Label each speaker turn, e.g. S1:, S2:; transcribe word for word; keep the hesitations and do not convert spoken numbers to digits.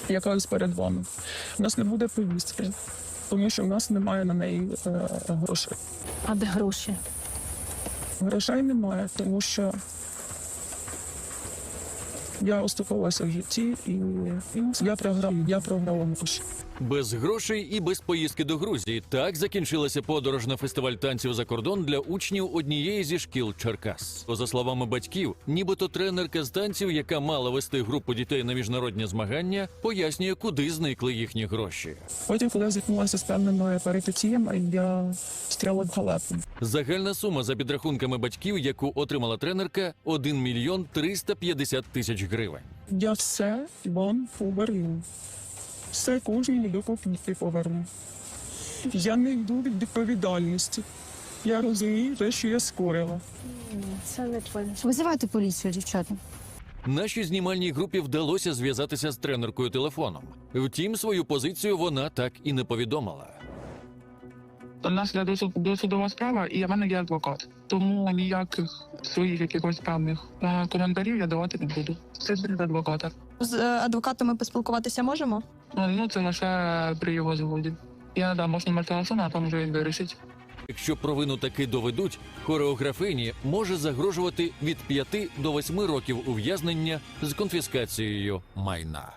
S1: яка перед вами. У нас не буде повістки, тому що в нас немає на неї е, грошей.
S2: А де гроші?
S1: Грошей немає, тому що я оступилася в житті і я програв, я програла гроші.
S3: Без грошей і без поїздки до Грузії. Так закінчилася подорож на фестиваль танців за кордон для учнів однієї зі шкіл Черкас. За словами батьків, нібито тренерка з танців, яка мала вести групу дітей на міжнародні змагання, пояснює, куди зникли їхні гроші.
S1: Потім, коли я зіткнулася з певними перипетіями, я стріла в халепу.
S3: Загальна сума за підрахунками батьків, яку отримала тренерка – один мільйон триста п'ятдесят тисяч гривень.
S1: Я все вам поверну. Все кожній до копійки поверну. Я не йду від відповідальності. Я розумію те, що я скорила.
S2: Це не твоє.
S4: Визивайте поліцію, дівчата.
S3: Нашій знімальній групі вдалося зв'язатися з тренеркою телефоном. Втім, свою позицію вона так і не повідомила.
S5: У нас є досуд- досудова справа, і в мене є адвокат. Тому ніяких своїх якихось певних е, коментарів я давати не буду. Це через адвоката.
S6: З е, адвокатами поспілкуватися можемо?
S5: Е, Ну, це лише при його згоді. Я надам можу номер телефону, а там вже він вирішить.
S3: Якщо провину таки доведуть, хореографині може загрожувати від п'яти до восьми років ув'язнення з конфіскацією майна.